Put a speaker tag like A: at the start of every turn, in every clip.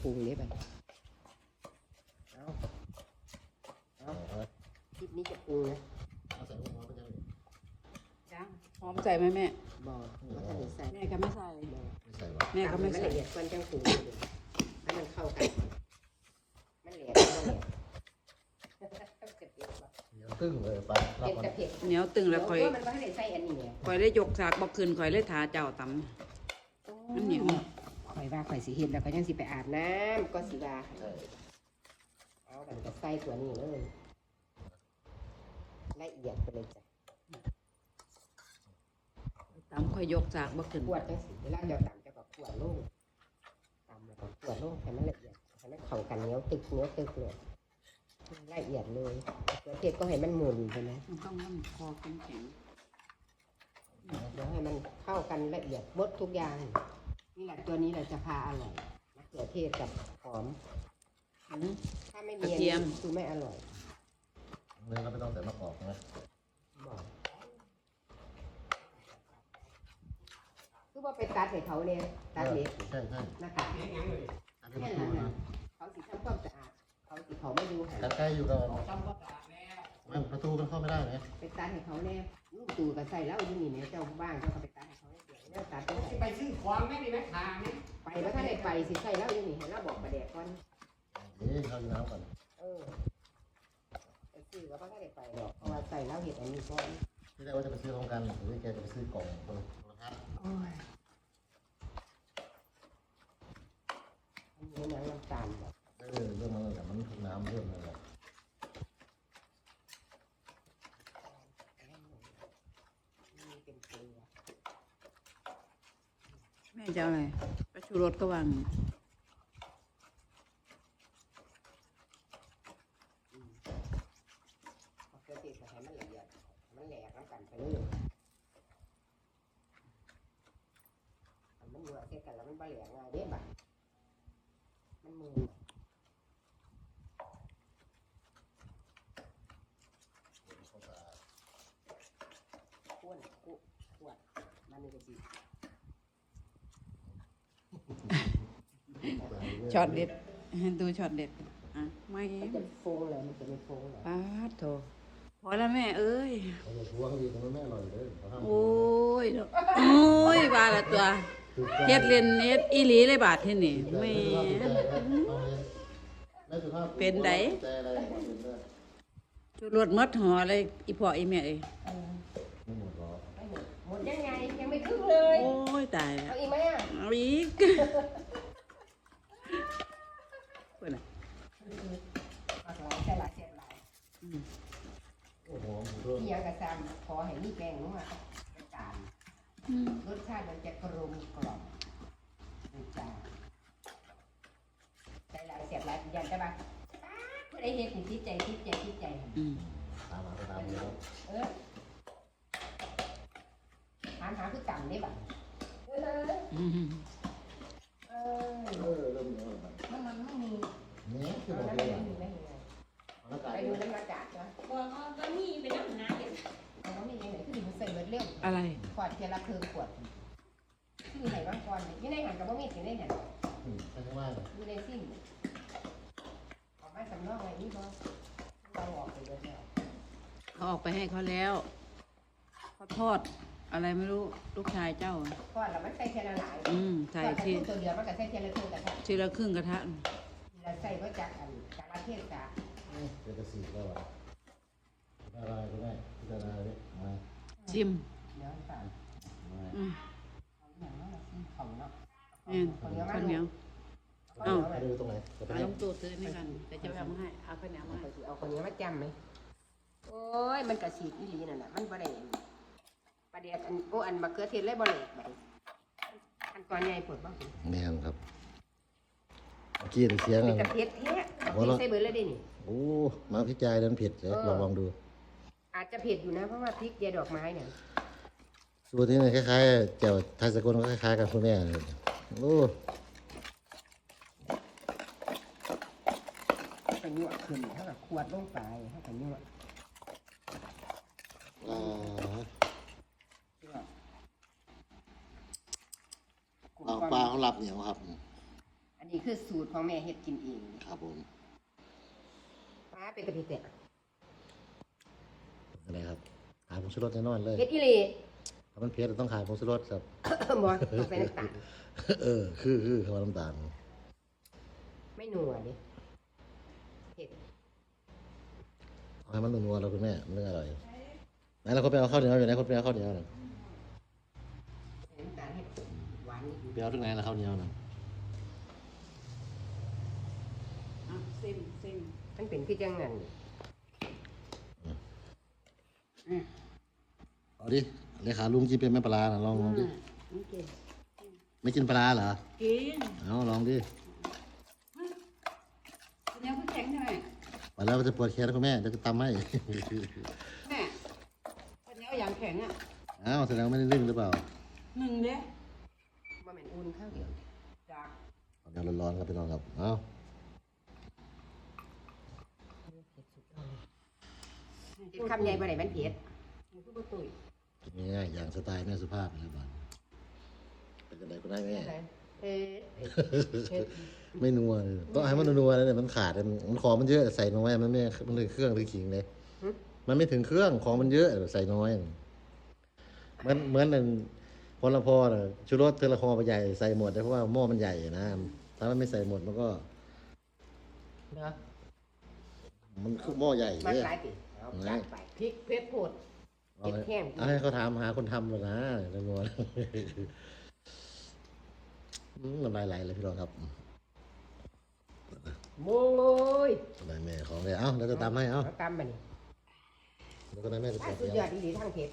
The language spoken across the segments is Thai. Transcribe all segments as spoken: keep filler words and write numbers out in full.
A: ปรุงนี้ไปเอาเอาคลิปนี้จะปรุงนะ
B: เอาใส่หัวไปเลย
C: ยังหอมใส่ไหมแม่
A: บอกว่าถ้าหนูใส่
C: แม่ก็ไม่ใส่
B: ไม่ใส่หรอ
C: แม่ก็ไม่
A: ทำให้
C: ใส่
A: ละเอียดก่อนจังปรุงให้มันเข้ากันมันแหลกมันแหลก
B: เดี๋ยวตึ้งเลยไปรับ
A: เผ็ด
B: มัน
A: กับเผ็ด
C: เหนียวตึงแล้วคอย
A: มันก็ให้ใส่อันนี้เนี่ย
C: คอยได้ยกสากบอกคืนคอยได้ทาเจ้าตำมันเหนียว
A: ข่อยว่าข่อยสิเห็นแล้วก็ยังสิไปอาบน้ำก็สิว่า
B: ใช่
A: เอาแบบจะใส่ตัวนี้เลยละเอียดไปเลยจ้ะ
C: ตำคอยยกสากบอกคืน
A: ขวดจังสิเวลาเจ้าตำเจ้าก็ขวดลงตำแล้วก็ขวดลงให้มันละเอียดให้มันเข้ากันเหนียวตึกเหนียวตึกเลยละเอียดเลยเกลือเทศก็ให้มันหมุนใช่ไหม
C: มันต้องมันคอแข็งแข็ง
A: เดี๋ยวให้มันเข้ากันละเอียดหมดทุกอย่างนี่แหละตัวนี้แหละจะพาอร่อยมะเขือเทศกับหอม
C: อืม
A: ถ้าไม่มีอันนี้คือไม่อร่อย
B: เนื้อเราไม่ต้องใส่มะกอกนะ
A: บอกคือว่าไปตัดให้เขาเนี่ยตัดเล็บ
B: ใช่ใช่
A: หน้ากาก
B: อันนี้
A: แค่
B: มัน
A: นั้น
B: นะ
A: นะเขาสิทำความสะอาดเขาสิเขาไม่ดูหา
B: แต่ใกล้อยู่กันมันประตูมันเข้าไม่ได้ไหม
A: ไปตัดให้เขาแน่ลูกตู่ก็ใส่แล้วอยู่นี่เนี่ยเจ้าบ้านเจ้าก็ไปตัดให้เขาเสียเนี่ยตัดไป
D: ไปซื้อของไม่ได้ไหมทางนี่
A: ไปว่าถ้าได้ไปสิใส่แล้วอยู่นี่ให้เราบอกประเดี๋ยวก่อน
B: เดี๋ยวเข้าน้ำก่อน
A: เออไปซื้อก็ว่าถ้าได้ไปหรอกเพราะว่าใส่แล้วเห็ดอันนี้ก่อน
B: ที่แรกว่าจะไปซื้อพร้อมกันหรือแกจะไปซื้อกล่องคนละคนละพัน
A: โอ้ยอันนี้น้ำน้ำตาลแบบ
B: เออเรื่องมันเลยมันถูกน้ำเรื่องนั่นแหละ
A: นี่เป็นเกลือ
C: แม่จะเอาอะไรไปชูรสก็วาง
A: มะเขือเทศก็ให้มันละเอียดมันแหลกน้ำกันไปเลยอันมันอยู่เสร็จกันแล้วมันบะแหลกง่ายเด้บ่ะมันมือข้วนกุขวดมันนี่ก็ดี
C: ช็อตเด็ดดูช็อตเด็ดอ่ะไม่
A: มันจะโฟงเลยมันจะไม่โฟงเลย
C: ปาดโถพอแล้วแม่เอ้ย
B: เขาจะทวงดีแต่มันไม่อร่อยเลยเขาห้าม
C: โอ้ยดอกโอ้ยบาละตัวเฮ็ดเล่นเฮ็ดอีหลีเลยบาดที่นี่แม่ เป็นได ชูรสหมดห่อเลยอีพ่ออีแม่เอ้ย
B: ไม่หมดหรอก
A: ไม่หมดหมดยังไงยังไม่ครึ่งเลย
C: โอ้ยตายแล้ว
A: เอาอีกไหมอ่ะ
C: เอาอีกเพิ่นน่ะ
A: หลากหลายแต่หลายเสียหลาย
C: อืม
B: โอ้โหหมูด้วย
A: ที่ยังกระซำขอให้มีแป้งนัวกระจาน
C: อืม
A: รสชาติมันจะกลมกล่อมกระจานใจหลายเสียบหลายยันใช่ปะเพื่อได้เห็นถึงที่ใจที่ใจที่ใจ
C: อืม
B: ตามมาก็ตามแล้ว
A: เออหาหาคือต่ำได้บ่เออ
C: อืม
A: เอ
B: เอ
A: อ
B: อเริ่มเยอะแล้ว
A: มันมันไม่มี
B: เนี่ยคือ
A: เอา
B: บอก
A: น้ำ
B: เลย
A: ไม่มีไม่มี
B: แล้วกั
A: ไป
B: น
A: ดูน้ำมาจากนะ
D: บอกว่าก็มีเป็นน้ำหนาเด็ด
A: เอาน้ำมีไหนคือมันใส่เบิดเร็ว
C: อะไร
A: ขวดเทียละเพิงขวดคือไหนบ้างก่อนยี่ในหันกับบ่มีถึงได้หัน
B: อืมใช่ไหม
A: อยู่ในซิ่งออกมาสำรองอะไรนี่บ่เราออกไปเบิดแล้ว
C: เขาออกไปให้เขาแล้วเขาทอดอะไรไม่รู้ลูกชายเจ้า
A: ก่อนเราไม่ใส่เทียละหลาย
C: อืมใส่
A: ก่อน
C: ที่
A: ตัวเดียวมันก็ใส่เทียละเพิงกระทะ
C: ทีละครึ่งกระทะ
A: เราใส่ก็จากอันจากประเทศกา
B: เดี๋ยวจะสีแล้วอ่ะอะไรก็ได้พิจารณาเลยมา
C: ชิม
A: เดี๋ยวก่อน
B: มา
C: อืม
A: เอาอย่างนั้นซิมของเนาะ
C: แม่น
A: ข้าวเหนียวมา
C: ข้าวเหนียว
A: ข้าวเหนียว
B: ไป
A: มา
B: ดูตรงไหนจะไป
C: เอา
B: ไหน
C: ลงตู้ซื้อนี่กันแต่จะเอามาให้เอาข้าวเหนียวมาให้
A: เอาข้าวเหนียวมาจำไหมโอ้ยมันกระฉีดอีหลีนั่นแหละมันบ่ได้ประเดี๋ยวอันโอ้อันมะเขือเทศเลยบ่เลยบัดอันก่อนใหญ่ปวดบ้าง
B: ไม่ทำครับเมื่อกี้เสียง
A: เป็น
B: อ่ะ
A: กระเทียมแท้เอาใส่เบิดเลยดินี่
B: โอ้มาพิจารณาเผ็ดเดี๋ยวลองลองดู
A: อาจจะเผ็ดอยู่นะเพราะว่าพริกเดียดอกไม้เนี่ย
B: สูตรนี้เนี่ยคล้ายๆแจ่วไทยสกลก็คล้ายๆกันคุณแม่เลยโอ้
A: ก็ยั่วขึ้นเท่ากับขวดลงไปเท่ากับยั่ว
B: อ่า
A: ยั่ว
B: เอาปลาเขาหลับเหนียวครับ
A: อันนี้คือสูตรของแม่เฮ็ดกินเอง
B: ครับผม
A: ป้าเป็นกะทิเตะ
B: อะไรครับขายผงชูรสแน่นอนเลย
A: เฮ็ดอีหลี
B: ถ้ามันเผ็ดต้องขายผงชูรสครับ
A: บ่ต้องใส่น้ำตาล
B: เออคือคือคำว่าน้ำตาล
A: ไม่นัวดิเผ็ด
B: เอาให้มันนัวๆเราคุณแม่มันถึงอร่อยไหนเราคนไปเอาข้าวเหนียวอยู่ไหนคนไปเอาข้าวเหนียวหน่อย
A: ใส่น้ำตาลให้หวานนิดนึง
B: ไปเอาที่ไหนล่ะข้าวเหนียวน่ะ
C: อ่ะซิมซิม
A: มันเป็นคือจังนั้น
B: เอาดิเลขาลุงกินเป็นแม่ปลาร้าน่ะลองลองดิ
A: โอเค
B: ไม่กินปลาร้าเหรอ
C: กิน
B: เอาลองดิ
C: เดี๋ยวคุณแข็งใช่ไหม
B: ไปแล้วจะปวดแขนคุณแม่เดี๋ยวจะตำให้
C: แม่วันนี้เอาอย่างแข็งอ่ะ
B: อ้าวแสดงว่าไม่ได้นึ่งหรือเปล่า
C: หนึ่งเด้
A: บ่แม่นอุ่นข้าวเดียว
C: จาก
B: เอาเดี๋ยวร้อนๆครับพี่น้องครับเอา
A: เฮ็ดคำใหญ่บ่ได้มันเผ็ด
C: หนูคือประตุย
B: กินง่ายๆอย่างสไตล์แม่สุภาพนะครับบ้านเป็นยังไงก็ได้แม่
A: เผ็ดเผ็ด
B: ไม่นัวเลยต้องให้มันนัวๆนะเนี่ยมันขาดมันมันของมันเยอะใส่น้อยมันไม่มันเลยเครื่องหรือขิงเลยมันไม่ถึงเครื่องของมันเยอะใส่น้อยเหมือนเหมือนนั่นพลพอน่ะชูรสเทอละคอไปใหญ่ใส่หมดได้เพราะว่าหม้อมันใหญ่นะถ้ามันไม่ใส่หมดมันก็
A: เนาะ
B: มันคือหม้อใหญ่
A: มัน
B: เนี่ย
A: หลายปีเอาจัดไปพริกเผ็ดโพด
B: เอาให้
A: เผ็ดแห้ง
B: เอาให้เขาถามหาคนทำเลยนะนัวๆอืมน้ำลายไหลเลยพี่น้องครับ
A: โอ้ย
B: ได้แม่ของเลยเอ้าเราจะตามให้เอ้า
A: เอาตำมานี่
B: แล้วก็ได้แม่จะ
A: ถ้า
B: เปิด
A: สุด
B: เดี
A: ย
B: ย
A: อ
B: ว
A: ดดีทั้งเผ็ด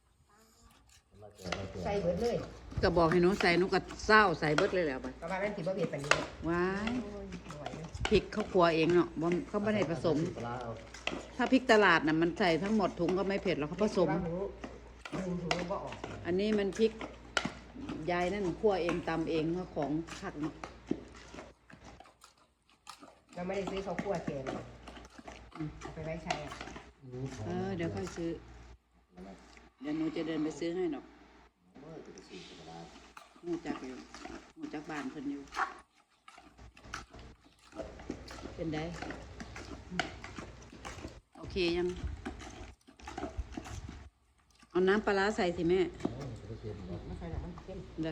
A: ใส่เบิดเลย
C: ก็บอกให้หนูใส่หนูก็เศร้าใส่เบิดเลยแหล้วบัด
A: ก็ว่ามันสิบ่เผ็ดปานนี้
C: ว้าย
A: โอ้ยบ่ไหวเลย
C: พริกเขาครัวเองเนาะบ่เขาไม่ได้ผสม
B: ปลาเอา
C: ถ้าพริกตลาดน่ะมันใส่ทั้งหมดถุงก็ไม่เผ็ดหรอกเขาผสม
A: ว่าหูหูหูบ่ออก
C: อันนี้มันพริกยายนั่นคั่วเองตำเองว่าของผักเนาะ
A: เราไม่ได้ซื้อข้าวคั่วเกมเอาไปไว้ใช้อ่ะ
C: เออเดี๋ยวค่อยซื้อ เดี๋ยวหนูจะเดินไปซื้อให้ดอกหนูจักอยู่หนูจักบ้านเพิ่นอยู่ เป็นได้โอเคยัง เอาน้ำปลาร้าใส่สิแม่
A: ไม่ใช่หรอกมันเค็ม
C: เด้อ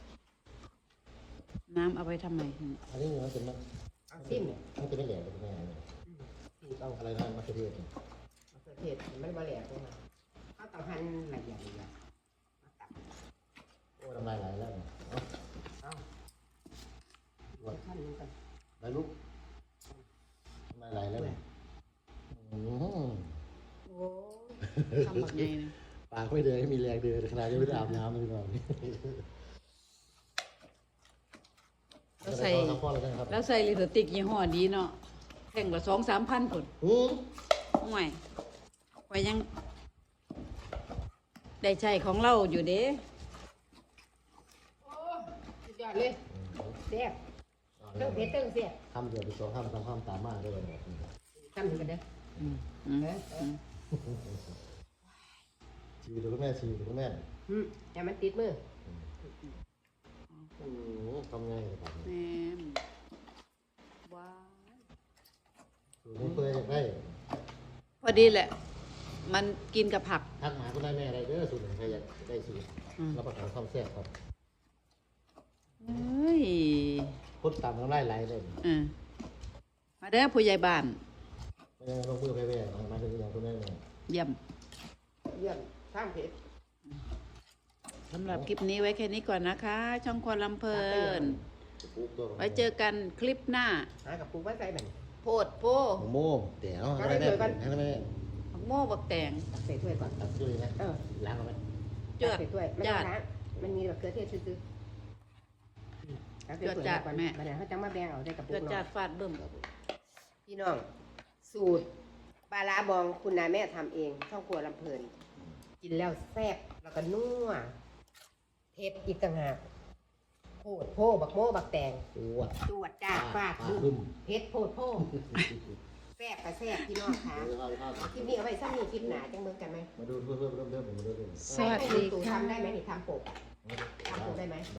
C: น้ำเอาไปทำไม
B: อันนี้มันเป็นมัน
A: เอาซิมเนี่ย
B: มันจะไม่แหลกเลยแม่เนี่ย
A: ซิมเอา
B: อะไรนะมะเขือเทศเนี่ย
A: มะเขือเทศมันบ่แหลกลงมาเอาต้องหั่นละเอียดละเอียดมาตัด
B: โอ้ยน้ำลายไหลแล้วเนี่ยเอา
A: เอาเอาขั้นนึงก่อน
B: ไหลลุกน้ำลายไหลแล้วเนี่ยอื้อหือ
A: โอ้ย
C: ทำแบบไงนะ
B: ปากไม่เดินให้มีแรงเดินขนาดยังไม่ได้อาบน้ำเลยพี่น้อง
C: แล้วใส่
B: เอาข้อเลยนะครับ
C: แล้วใส่ลิปสติกยี่ห้อดีเนาะแท่งละสองสามพันผล
B: อือ
C: ห่วยไว้ยัง ได้ใช้ของเราอยู่เด้
A: โอ้ยสุดยอดเลยแซ่บเติ้งเผ็ดเติ้งแซ่บ
B: คำเดียวไปสองคำสามคำตามมากได้เลยเนี่ย
A: ทำถึงกันเด้อ
C: อืมอืม
A: เออเออ
B: ชีวิตคุณแม่ชีวิตคุณแม่
A: อืมอย่ามันติดมือ
B: อือทำไงครับ
C: แม่มว้าว
B: สูตรนี้เพื่ออยากได้
C: พอดีแหละ มันกินกับผัก
B: ทักหาคุณได้แม่อะไรเด้อสูตรหนึ่งใครอยากได้สูตร
C: อืม
B: รับประกันความแซ่บครับ
C: เอ้ย
B: พุทธตามน้ำลายไหลเลย
C: เออมาเด้อผู้ใหญ่บ้าน
B: ไม่ยังลงมือไปแว่มาถึงอย่างคุณแม่เนี่ย
C: เยี่ยม
A: เยี่ยมทางเผ็ด
C: สำหรับคลิปนี้ไว้แค่นี้ก่อนนะคะ ช่องครัวลำเพลิน
B: จะปลูกตัว
C: ไว้เจอกันคลิปหน้า
A: หากับปูไว้ใส่มัน
C: โพดโพ
B: โมโม่เดี๋ยวให้แม่ให้แม่
C: ผักโม่บักแตง
A: ตักใส่ถ้วยก่อน
B: ตัดด้วยนะ
A: เออ
B: ล้างเอาไหม
C: จว
A: ตั
C: ด
A: กใส่ถ้วยไม่
C: จ
A: ต้อง
C: วด
A: ล้างมันมีแบบเกลือเทศซื้อๆตักใส่ถ้วย
C: จวดจ้ะ
A: ก่อน
C: แม่
A: มันเดี๋ยวเขาจะมาแบ่งเอาใส่กระปุ
C: เกิ
A: ก
C: ด
A: เนาะ
C: จากฟาดเบิ่ม
A: พี่น้อง สูตรปลาร้าบองคุณนายแม่ทำเอง ช่องครัวลำเพลิน กินแล้วแซ่บแล้วก็นัวเผ็ดอีกต่างหากโพดโพบักโม่บักแตง
B: ปวด
A: ตรวจจ้าฟาด
B: บึ้
A: บึ้
B: ม
A: มเผ็ดโพดโพแซ่บกับแซ่บพี่น้องค่ะคลิปนี้เอาไว้ซ้ำนี้คลิปหนาจังเบิ่งกันไหม
B: มาดูเพื่อนเพื่อนเริ่มเริ่มมาดูเริ่ม
C: สวัสดี
A: ให้ให้ตู่
C: ค่ะ
A: ทำได้ไหมนี่ทำปกอะทำปกได้ไหม